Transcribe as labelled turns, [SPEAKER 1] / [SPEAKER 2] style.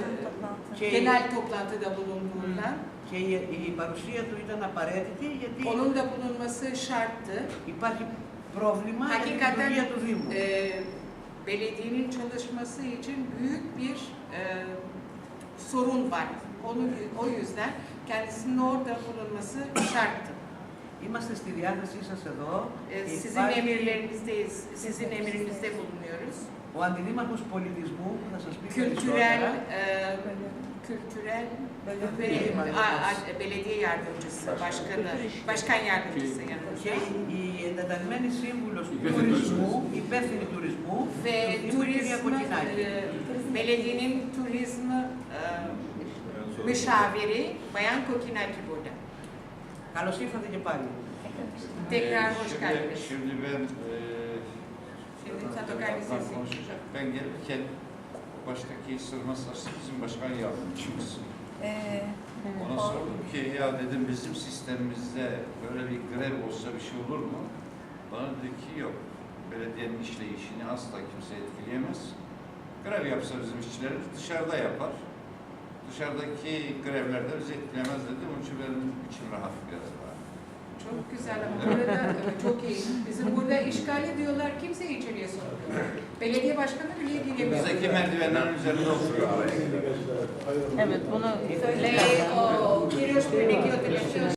[SPEAKER 1] genel toplantıda bulunduğundan.
[SPEAKER 2] Και η παρουσία του ήταν απαραίτητη γιατί
[SPEAKER 1] Onun da bulunması şarttı.
[SPEAKER 2] υπάρχει πρόβλημα για την λειτουργία του Δήμου.
[SPEAKER 1] Belediyenin çalışması için büyük bir sorun var. O yüzden kendisinin orada bulunması şarttı.
[SPEAKER 2] Είμαστε στη διάθεσή σας εδώ.
[SPEAKER 1] Sizin emrinizde bulunuyoruz.
[SPEAKER 2] Ο Αντιδήμαρχος Πολιτισμού που θα σας πει
[SPEAKER 1] Kültürel
[SPEAKER 2] περισσότερα.
[SPEAKER 1] belediye yardımcısı, başkan yardımcısı
[SPEAKER 2] Και
[SPEAKER 1] yanımızda.
[SPEAKER 2] η εντεταλμένη σύμβουλος του τουρισμού, υπεύθυνη τουρισμού,
[SPEAKER 1] Ve
[SPEAKER 2] κυρία Κοκκινάκη.
[SPEAKER 1] belediyenin turizm müşaviri Bayan Kokinaki burada.
[SPEAKER 2] Καλώς ήρθατε και πάλι.
[SPEAKER 1] Tekrar hoş geldiniz.
[SPEAKER 3] Şimdi ben
[SPEAKER 1] Şimdi Satokai Lisesi.
[SPEAKER 3] konuşacak. Ben gelirken baştaki sırma saçlı bizim başkan yardımcımız. Ona sordum ki ya dedim bizim sistemimizde böyle bir grev olsa bir şey olur mu? Bana dedi ki yok. Belediyenin işleyişini asla kimse etkileyemez. Grev yapsa bizim işçilerimiz dışarıda yapar. Dışarıdaki grevlerde bizi etkilemez dedi. Onun için benim içim rahat biraz daha.
[SPEAKER 1] Çok güzel ama burada çok iyi. Bizim burada işgal ediyorlar, kimse içeriye sokmuyor. Belediye başkanı bile giremiyor.
[SPEAKER 3] Bizdeki merdivenlerin üzerinde oturuyor.
[SPEAKER 4] Evet, bunu
[SPEAKER 1] Le, o, Kirios Prenekio